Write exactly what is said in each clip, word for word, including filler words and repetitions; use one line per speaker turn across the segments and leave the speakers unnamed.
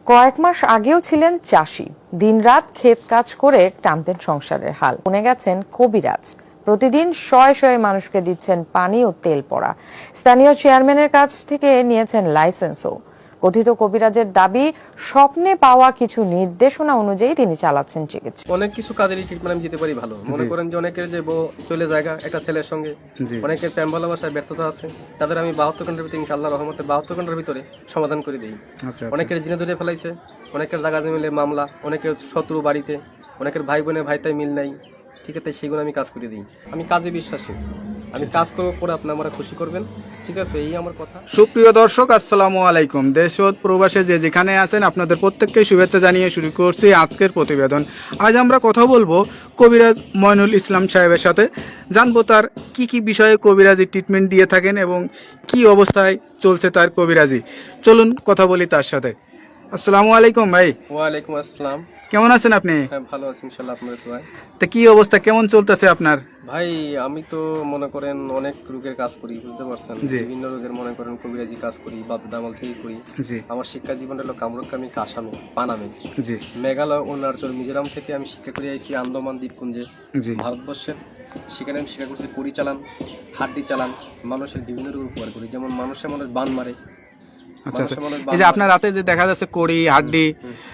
কয়েক মাস আগেও ছিলেন চাষি, দিনরাত ক্ষেত কাজ করে টানতেন সংসারের হাল। বনে গেছেন কবিরাজ, প্রতিদিন শয়ে শয়ে মানুষকে দিচ্ছেন পানি ও তেল পড়া। স্থানীয় চেয়ারম্যানের কাছ থেকে নিয়েছেন লাইসেন্সও। কথিত কবিরাজের দাবি, স্বপ্নে পাওয়া কিছু নির্দেশনা অনুযায়ী তিনি চালাচ্ছেন চিকিৎসা।
অনেক কিছু কাজেরই ট্রিটমেন্ট আমি দিতে পারি ভালো। মনে করেন যে অনেকের যে বউ চলে জায়গা একটা ছেলের সঙ্গে, অনেকের প্রেম ভালোবাসায় ব্যর্থতা আছে, তাদের আমি বাহাত্তর ঘন্টার ভিতরে ইনশাআল্লাহ রহমতে বাহাত্তর ঘন্টার ভিতরে সমাধান করে দিই। অনেকের জিনে ধরে ফেলাইছে, অনেকের জায়গা মিলে মামলা, অনেকের শত্রু বাড়িতে, অনেকের ভাই বোনের ভাইতাই মিল নাই, ঠিক আছে, সেগুলো আমি কাজ করে দিই। আমি কাজে বিশ্বাসী, আমি কাজ করবো পরে আপনি আমরা খুশি করবেন, ঠিক আছে, এই আমার কথা।
সুপ্রিয় দর্শক, আসসালামু আলাইকুম। দেশ ও প্রবাসে যে যেখানে আছেন আপনাদের প্রত্যেককে শুভেচ্ছা জানিয়ে শুরু করছি আজকের প্রতিবেদন। আজ আমরা কথা বলবো কবিরাজ মইনুল ইসলাম সাহেবের সাথে, জানবো তার কি কি বিষয়ে কবিরাজি ট্রিটমেন্ট দিয়ে থাকেন এবং কি অবস্থায় চলছে তার কবিরাজি। চলুন কথা বলি তার সাথে। আসসালামু আলাইকুম ভাই।
ওয়ালাইকুম আসসালাম।
কেমন আছেন আপনি?
হ্যাঁ, ভালো আছি ইনশাআল্লাহ, আপনাদের দোয়ায়।
তা কি অবস্থা, কেমন চলতেছে আপনার?
ভাই আমি তো মনে করেন অনেক রোগের কাজ করি, বুঝতে পারছেন, বিভিন্ন রোগের মনে করেন কবিরাজি কাজ করি, বাপ দামাল থেকে করি। আমার শিক্ষা জীবন হলো কামরুকামি আসামে পানামে, জি, মেঘালয় অরুণাচল মিজোরাম থেকে আমি শিক্ষা করে আইছি আন্দামান দ্বীপপুঞ্জে, ভারতবর্ষের। সেখানে আমি শিক্ষা করছি কড়ি চালান, হাড্ডি চালান, মানুষের বিভিন্ন রোগ উপকার করি, যেমন মানুষের মানুষ বান মারে।
আচ্ছা আচ্ছা, এই যে আপনার রাতে যে দেখা যাচ্ছে কড়ি হাড্ডি,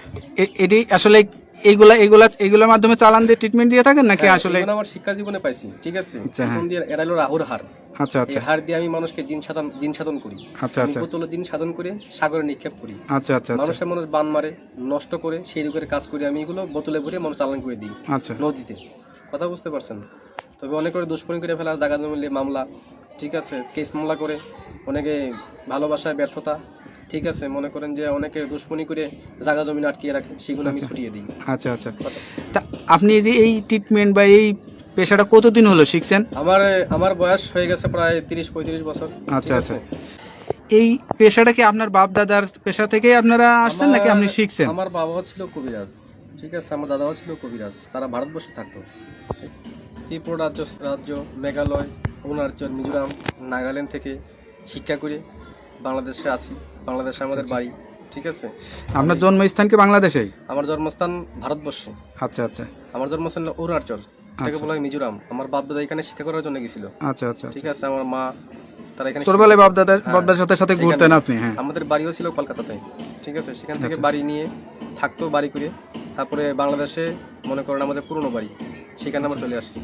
এটি আসলে এইগুলা এইগুলা এইগুলোর মাধ্যমে চালান দিয়ে ট্রিটমেন্ট দিয়ে থাকেন নাকি? আসলে
আমার শিক্ষা জীবনে পাইছি, ঠিক আছে, জীবন দিয়ে এরা হলো রাহুর হার। আচ্ছা আচ্ছা, এই হার দিয়ে আমি মানুষকে জিন সাধন জিন সাধন করি। আচ্ছা আচ্ছা, বোতল জিন সাধন করে সাগরে নিক্ষেপ করি। আচ্ছা আচ্ছা, মানুষের মানুষ বান মারে, নষ্ট করে, সেই রোগের কাজ করি আমি, এগুলো বোতলে ভরে মানুষ চালান করে দিই। আচ্ছা, নদীতে, কথা বুঝতে পারছেন। তবে অনেক করে দুষ্কর্মী করে ফেলা, জায়গা জমিলে মামলা, ঠিক আছে, কেস মামলা করে, অনেকে ভালোবাসায় ব্যর্থতা, ঠিক আছে, মনে করেন যে অনেকে দুশ্মনী করে জায়গা জমি আটকিয়ে রাখে, সেগুলো আমি ছুটিয়ে দিই। আচ্ছা আচ্ছা,
তা আপনি এই যে এই ট্রিটমেন্ট বা এই পেশাটা কতদিন হলো শিখছেন?
আমার আমার বয়স হয়ে গেছে প্রায় তিরিশ পঁয়ত্রিশ বছর।
আচ্ছা আচ্ছা, এই পেশাটা কি আপনার বাপ দাদার পেশা থেকে আপনারা আসছেন নাকি আপনি শিখছেন?
আমার বাবাও ছিল কবিরাজ, ঠিক আছে, আমার দাদাও ছিল কবিরাজ, তারা ভারতবর্ষে থাকতো। ত্রিপুরা রাজ্য রাজ্য মেঘালয় অরুণাচল মিজোরাম নাগাল্যান্ড থেকে শিক্ষা করে বাংলাদেশে আসি, বাংলাদেশে আমাদের বাড়ি, ঠিক আছে।
আপনার জন্মস্থান কি বাংলাদেশেই?
আমার জন্মস্থান ভারতবর্ষে। আচ্ছা আচ্ছা, আমার জন্মস্থান হলো অরুণাচল, তাকে বলা হয় মিজোরাম। আমার বাপ দাদা এখানে শিক্ষা করার জন্য গেছিল। আচ্ছা আচ্ছা, ঠিক আছে, আমার মা তারা এখানে ছোটবেলায় বাপ দাদার বাপ দাদার সাথে সাথে ঘুরতেন আপনি? হ্যাঁ, আমাদের বাড়িও ছিল কলকাতাতে, ঠিক আছে, সেখান থেকে বাড়ি নিয়ে থাকতো, বাড়ি করে তারপরে বাংলাদেশে মনে করেন আমাদের পুরনো বাড়ি, সেখানে আমরা চলে আসি।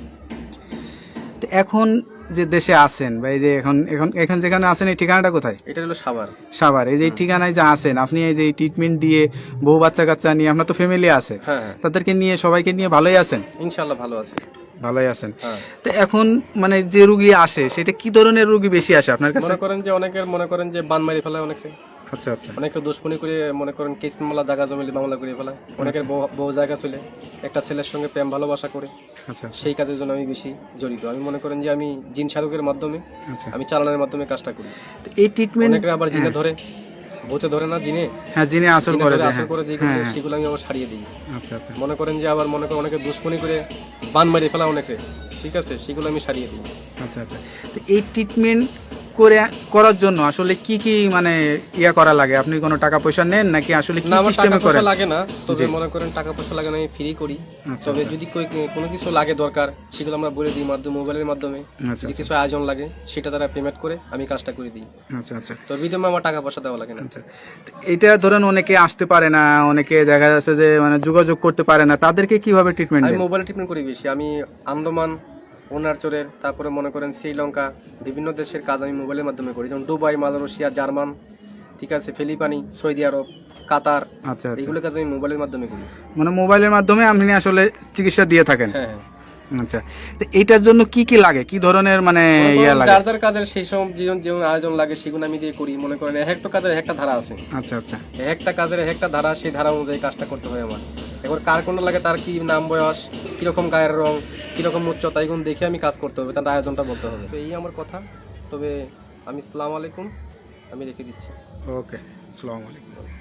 এখন যে দেশে আছেন বা এই যে এখন এখন এখন যেখানে আছেন, এই ঠিকানাটা কোথায়? এটা হলো সাভার। সাভার, এই যে ঠিকানায় যে আছেন আপনি, এই যে ট্রিটমেন্ট দিয়ে বউ বাচ্চা কাচ্চা নিয়ে, আপনার তো ফ্যামিলি আছে, তাদেরকে নিয়ে সবাইকে নিয়ে ভালোই আছেন?
ইনশাআল্লাহ ভালো আছে,
ভালোই আছেন। তো এখন মানে যে রোগী আসে, সেটা কি ধরনের রোগী বেশি আসে আপনার কাছে?
মনে করেন যে অনেকের মনে করেন যে বান মারি ফেলায় অনেকে। আচ্ছা আচ্ছা, অনেকে দুশ্মনী করে মনে করেন কেস মামলা, জায়গা জমিলে মামলা করে ফেলায়। অনেকের বউ জায়গা চলে একটা ছেলের সঙ্গে প্রেম ভালোবাসা করে। আচ্ছা, সেই কাজের জন্য আমি বেশি জড়িত। আমি মনে করেন যে আমি জিন সাধকের মাধ্যমে, আমি চালানোর মাধ্যমে কাজটা করি। এই ট্রিটমেন্ট অনেকে আবার জিনে ধরে, ভূতে ধরে না, জিনে, হ্যাঁ, জিনে আসর করে, আসর করে যেগুলো, সেগুলো আমি আবার সারিয়ে দিই। আচ্ছা আচ্ছা, মনে করেন যে আবার মনে করেন অনেকে দুশ্মনী করে বান মারি ফেলা অনেকে, ঠিক আছে, সেগুলো আমি সারিয়ে দিই। আচ্ছা আচ্ছা,
তো এই ট্রিটমেন্ট করে করার জন্য আসলে কি কি মানে ইয়া করা লাগে? আপনি কোনো টাকা পয়সা নেন নাকি আসলে কি সিস্টেমে করেন?
লাগে না, তবে মনে করেন টাকা পয়সা লাগে না, আমি ফ্রি করি। তবে যদি কোনো কিছু লাগে দরকার, সেগুলো আমরা বলে দিই মাধ্যমে, মোবাইলের মাধ্যমে। যদি কিছু আয়োজন লাগে, সেটা তারা পেমেন্ট করে আমি কাজটা করে দিই। আচ্ছা আচ্ছা, তো বিদমে আমার টাকা পয়সা দেওয়া লাগে না। আচ্ছা,
এটা ধরেন অনেকে আসতে পারে না, অনেকে দেখা যাচ্ছে যে মানে যোগাযোগ করতে পারে না, তাদেরকে কিভাবে ট্রিটমেন্ট দেন?
আমি মোবাইলে ট্রিটমেন্ট করি বেশি। আমি আন্দামান অরুণাচলের, তারপরে মনে করেন শ্রীলঙ্কা, বিভিন্ন দেশের কাজ আমি মোবাইলের মাধ্যমে করি, যেমন দুবাই, মালয়েশিয়া, জার্মান, ঠিক আছে, ফিলিপাইনি, সৌদি আরব, কাতার। আচ্ছা, এগুলো কাজ আমি মোবাইলের মাধ্যমে করি।
মানে মোবাইলের মাধ্যমে আপনি আসলে চিকিৎসা দিয়ে থাকেন?
হ্যাঁ হ্যাঁ।
আচ্ছা, তো এইটার জন্য কি কি লাগে, কি ধরনের মানে ইয়া লাগে?
যার যার কাজের সেই সব জীবন জীবন আয়োজন লাগে, সেগুলো আমি দিয়ে করি। মনে করেন এক একটা কাজের একটা ধারা আছে। আচ্ছা আচ্ছা, একটা কাজের একটা ধারা, সেই ধারা অনুযায়ী কাজটা করতে হয় আমার। এবার কার কোনটা লাগে, তার কি নাম, বয়স, কিরকম গায়ের রং, কিরকম উচ্চতা, এগুলো দেখে আমি কাজ করতে হবে, তার আয়োজনটা বলতে হবে। তো এই আমার কথা। তবে আমি আসসালামু আলাইকুম, আমি রেখে দিচ্ছি।
ওকে, আসসালামু আলাইকুম।